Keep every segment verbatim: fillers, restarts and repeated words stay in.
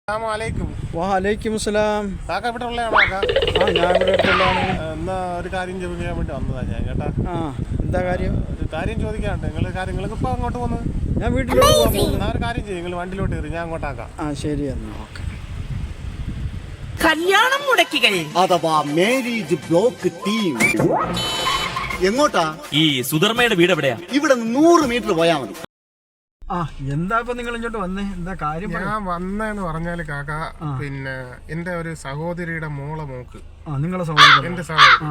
വാലൈക്കും സലാം. കാക്ക ഇവിടെ ഉള്ളതാണോ? കാക്ക ആ ഞാൻ ഇവിടെ അടുത്തുള്ളതാണ്. എന്നാ ഒരു കാര്യം ചോദിക്കാൻ വേണ്ടി വന്നതാണ് ഞാൻ കേട്ടാ. ആ എന്താ കാര്യം? ഒരു കാര്യം ചോദിക്കാണ്ട് നിങ്ങൾ കാര്യങ്ങൾക്ക് ഇപ്പോൾ അങ്ങോട്ട് പോകുന്നത്? ഞാൻ വീട്ടിലോട്ട് പോകാൻ പോകുന്നു. എന്നാ ഒരു കാര്യം ചെയ്യും, നിങ്ങൾ വണ്ടിയിലോട്ട് കയറി, ഞാൻ അങ്ങോട്ടാക്കാം. ആ ശരി എന്നാ ഓക്കെ. കല്യാണം മുടക്കികൾ അഥവാ മാരേജ് ബ്ലോക്ക് ടീം എങ്ങോട്ടാ? ഈ സുധർമ്മയുടെ വീട് എവിടെയാ? ഇവിടെ നൂറ് മീറ്റർ പോയാ മതി. ആ എന്താ ഇപ്പൊ നിങ്ങൾ ഇങ്ങോട്ട് വന്നേ? എന്താ കാര്യം? ഞാൻ വന്നേന്ന് പറഞ്ഞാല് കാക്ക, പിന്നെ എന്റെ ഒരു സഹോദരിയുടെ മോളെ മോക്ക്, ആ നിങ്ങളെ സഹോദരൻ, എന്റെ സഹോദരി,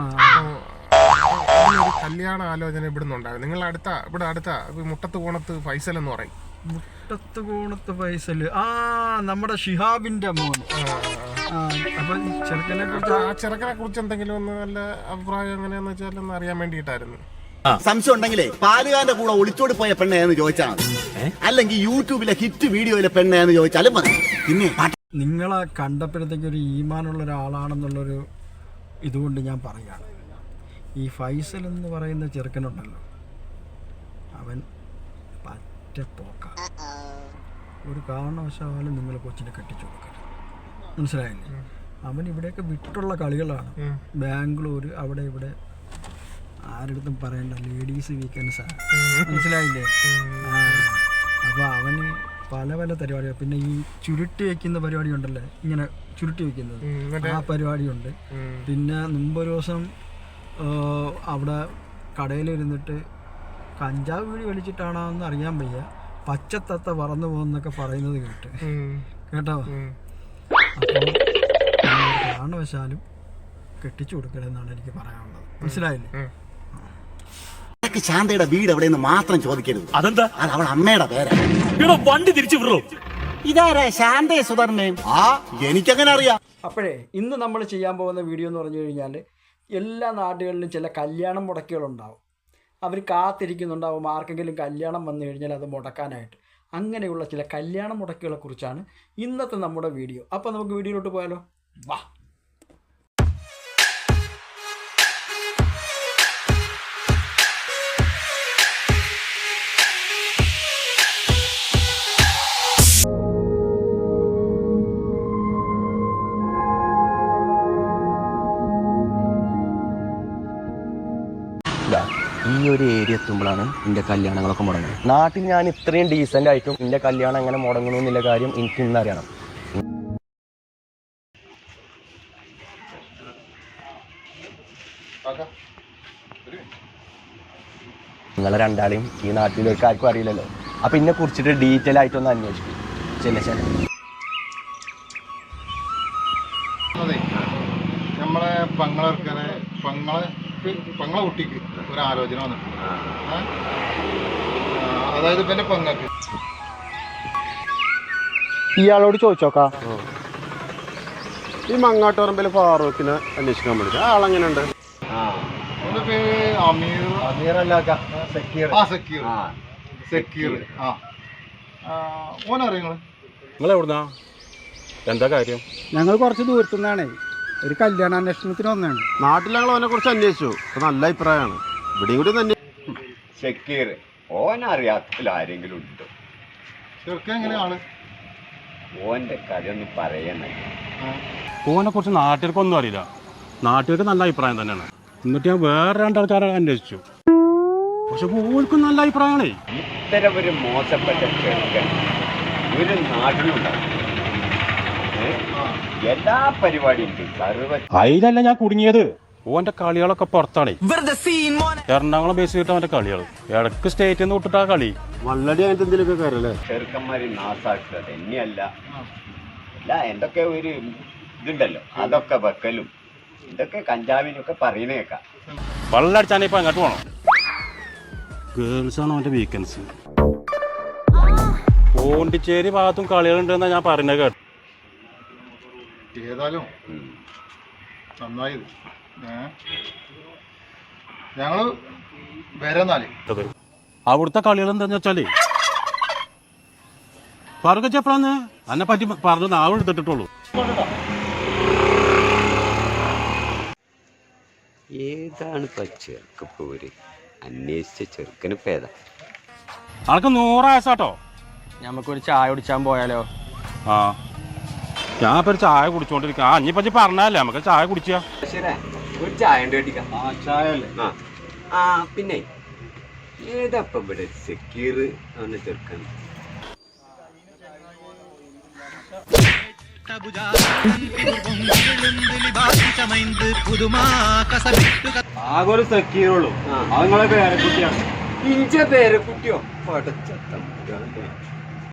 ഒരു കല്യാണ ആലോചന ഇവിടുന്ന് ഉണ്ടാകും. നിങ്ങൾ അടുത്ത ഇവിടെ അടുത്ത മുട്ടത്ത് കോണത്ത് ഫൈസൽ എന്ന് പറയും. മുട്ടത്ത് കോണത്ത് ഫൈസല്? ആ നമ്മുടെ ഷിഹാബിന്റെ മോൻ. അപ്പൊ ചെറുക്കനെ കുറിച്ച്, ആ ചെറുക്കനെ കുറിച്ച് എന്തെങ്കിലും ഒന്ന് നല്ല അഭിപ്രായം എങ്ങനെയാന്ന് വെച്ചാൽ ഒന്ന് അറിയാൻ വേണ്ടിയിട്ടായിരുന്നു. സംശയം ഉണ്ടെങ്കിലേ പാലുകാരന്റെ കൂടെ ഒളിച്ചോടി പോയ പെണ്ണേന്ന് ചോദിച്ചാൽ മതി, അല്ലെങ്കിൽ യൂട്യൂബിലെ ഹിറ്റ് വീഡിയോയിലെ പെണ്ണേന്ന് ചോദിച്ചാലും മതി. പിന്നെ നിങ്ങളെ കണ്ടപ്പോഴത്തേക്ക് ഒരു ഈമാനുള്ള ഒരാളാണെന്നുള്ളൊരു ഇതുകൊണ്ട് ഞാൻ പറയാണ്, ഈ ഫൈസൽ എന്ന് പറയുന്ന ചെറുക്കനുണ്ടല്ലോ, അവൻ പറ്റ പോക്കാണ്. ഒരു കാരണവശാലും നിങ്ങൾ കൊച്ചിനെ കെട്ടിച്ചു കൊടുക്കരുത്, മനസ്സിലായില്ലേ? അവൻ ഇവിടെയൊക്കെ വിട്ടുള്ള കളികളാണ്. ബാംഗ്ലൂർ അവിടെ ഇവിടെ ആരടുത്തും പറയണ്ട, ലേഡീസ് വീക്കെൻഡ്സാണ്, മനസ്സിലായില്ലേ? ആ അപ്പോൾ അവന് പല പല പരിപാടിയാണ്. പിന്നെ ഈ ചുരുട്ടി വയ്ക്കുന്ന പരിപാടി ഉണ്ടല്ലേ, ഇങ്ങനെ ചുരുട്ടി വയ്ക്കുന്നത്, ആ പരിപാടിയുണ്ട്. പിന്നെ മുമ്പൊരു ദിവസം അവിടെ കടയിലിരുന്നിട്ട് കഞ്ചാവ് വീടി വലിച്ചിട്ടാണോ എന്ന് അറിയാൻ വയ്യ, പച്ചത്തത്ത പറന്നു പോകുന്നൊക്കെ പറയുന്നത് കേട്ട് കേട്ടോ. അപ്പോൾ കാരണവശാലും കെട്ടിച്ചു കൊടുക്കരുതെന്നാണ് എനിക്ക് പറയാനുള്ളത്, മനസ്സിലായില്ലേ? ശാന്തയുടെ വീട് എവിടെയെന്ന് മാത്രം ചോദിക്കരുത്. അതെന്താ? അത് അവൾ അമ്മയുടെ പേരാ. വണ്ടി തിരിച്ചു വിടോ. ഇതാരാ ശാന്തയെ സുധർമ്മയും? ആ എനിക്കങ്ങനെ അറിയാം. അപ്പോഴേ ഇന്ന് നമ്മൾ ചെയ്യാൻ പോകുന്ന വീഡിയോ എന്ന് പറഞ്ഞു കഴിഞ്ഞാൽ, എല്ലാ നാടുകളിലും ചില കല്യാണം മുടക്കുകളുണ്ടാവും. അവർ കാത്തിരിക്കുന്നുണ്ടാവും ആർക്കെങ്കിലും കല്യാണം വന്നു കഴിഞ്ഞാൽ അത് മുടക്കാനായിട്ട്. അങ്ങനെയുള്ള ചില കല്യാണ മുടക്കുകളെ കുറിച്ചാണ് ഇന്നത്തെ നമ്മുടെ വീഡിയോ. അപ്പോൾ നമുക്ക് വീഡിയോയിലോട്ട് പോയാലോ? വാ. ഈ ഒരു ഏരിയ എത്തുമ്പോഴാണ് എൻ്റെ കല്യാണങ്ങളൊക്കെ മുടങ്ങുന്നത്. നാട്ടിൽ ഞാൻ ഇത്രയും ഡീസൻ്റ് ആയിട്ടും എൻ്റെ കല്യാണം എങ്ങനെ മുടങ്ങണമെന്നുള്ള കാര്യം എനിക്ക് ഇന്നറിയണം. നിങ്ങളെ രണ്ടാളെയും ഈ നാട്ടിലേക്ക് ആർക്കും അറിയില്ലല്ലോ. അപ്പം ഇതിനെ കുറിച്ചിട്ട് ഡീറ്റെയിൽ ആയിട്ടൊന്ന് അന്വേഷിക്കും. ചെല്ല ചെല്ല അതെ, നമ്മളെ പങ്ങളെ പങ്ങളെ പങ്ങളെ കുട്ടിക്ക് ഒരു ആലോചന വന്നിട്ടുണ്ട്. അതായത് പിന്നെ പങ്ങൾക്ക് ഇയാളോട് ചോദിച്ചോക്കാ, ഈ മങ്ങാട്ടുപറമ്പിൽ ഫാറൂഖിനെ അന്വേഷിക്കാൻ വേണ്ടി ആളെങ്ങനെയുണ്ട്? നിങ്ങൾ എവിടുന്നാ? എന്താ കാര്യം? ഞങ്ങൾ കുറച്ച് ദൂരത്തു നിന്നാണേ, ഒരു കല്യാണ അന്വേഷണത്തിന് വന്നതാണ്. നാട്ടിൽ ഞങ്ങൾ അവനെ കുറിച്ച് അന്വേഷിച്ചു, നല്ല അഭിപ്രായമാണ്. ഇവിടെയും കൂടി തന്നെ സെക്യൂർ ഓനറിയാത്തതിൽ ആരെങ്കിലും ഉണ്ടോ? ചെറുക്കൻ എങ്ങനെയാണ്? ഓന്റെ കഥ ഒന്ന് പറയണേ. ഓനെ കുറിച്ച് നാട്ടുകാർക്കൊന്നും അറിയില്ല. നാട്ടുകാർക്ക് നല്ല അഭിപ്രായം തന്നെയാണ്. എന്നിട്ട് ഞാൻ വേറെ രണ്ടാൾക്കാരെ അന്വേഷിച്ചു, പക്ഷെ ഓൾക്കും നല്ല അഭിപ്രായമാണേ. ഇത്തരം ഒരു മോശപ്പെട്ട ചെറുക്കൻ ഒരു നാട്ടിലുണ്ടാവും. എല്ലാ പരിപാടിയും അതിലല്ല ഞാൻ കുടുങ്ങിയത്. ഓന്റെ കളികളൊക്കെ പുറത്താണേ. എറണാകുളം ബേസ് ചെയ്തിട്ട് അവന്റെ കളികൾ ഇടക്ക് സ്റ്റേറ്റിൽ നിന്ന് വിട്ടിട്ടാ കളി. വള്ളടി അങ്ങനത്തെ എന്തെങ്കിലുമൊക്കെ കാര്യമല്ലേ? ചെറുക്കന്മാര് നാസാക്കുക തന്നെയല്ല, അല്ല എന്തൊക്കെ ഒരു ഇതുണ്ടല്ലോ, അതൊക്കെ വെക്കലും ഇതൊക്കെ കഞ്ചാവിനൊക്കെ പറയുന്നേക്കാം. വള്ളടിച്ചാനേ ഇപ്പൊ അങ്ങോട്ട് പോണം. ഗേൾസ് ആണ് അവന്റെ വീക്കെൻഡ്സ്. പോണ്ടിച്ചേരി ഭാഗത്തും കളികളുണ്ടെന്നാ ഞാൻ പറയുന്നത് കേട്ടോ. ഏതായാലും നന്നായത്. ഞങ്ങള് വരാന്നാല് അവിടുത്തെ കളികൾ എന്താന്ന് വെച്ചാലേ, ഫാറൂഖ് എപ്പോഴാന്ന് അതിനെ പറ്റി പറഞ്ഞു നാവ് എടുത്തിട്ടുള്ളൂ. ഏതാണ് ഇപ്പൊ ചെറുക്കപ്പോര് അന്വേഷിച്ച ചെറുക്കന് പേത? ആൾക്ക് നൂറ് വയസ്സാട്ടോ. നമുക്കൊരു ചായ കുടിച്ചാൻ പോയാലോ? ആ ഞാൻ ഇപ്പൊ ഒരു ചായ കുടിച്ചോണ്ടിരിക്കാം. ആ ഇനിയിപ്പോ പറഞ്ഞല്ലേ നമുക്ക് ചായ കുടിച്ചാ. ശരി, ഒരു ചായ ഉണ്ട് കേട്ടിക്കാം. ആ ആ പിന്നെ ഏതപ്പം ഇവിടെ സെക്യൂർ അവനെ ചെറുക്കൻ? ആകെ സെക്യൂറുള്ളൂ. അതുങ്ങളെ പേരക്കുട്ടിയാണ്. ഇഞ്ച പേരെ കുട്ടിയോ? പടച്ചത്തം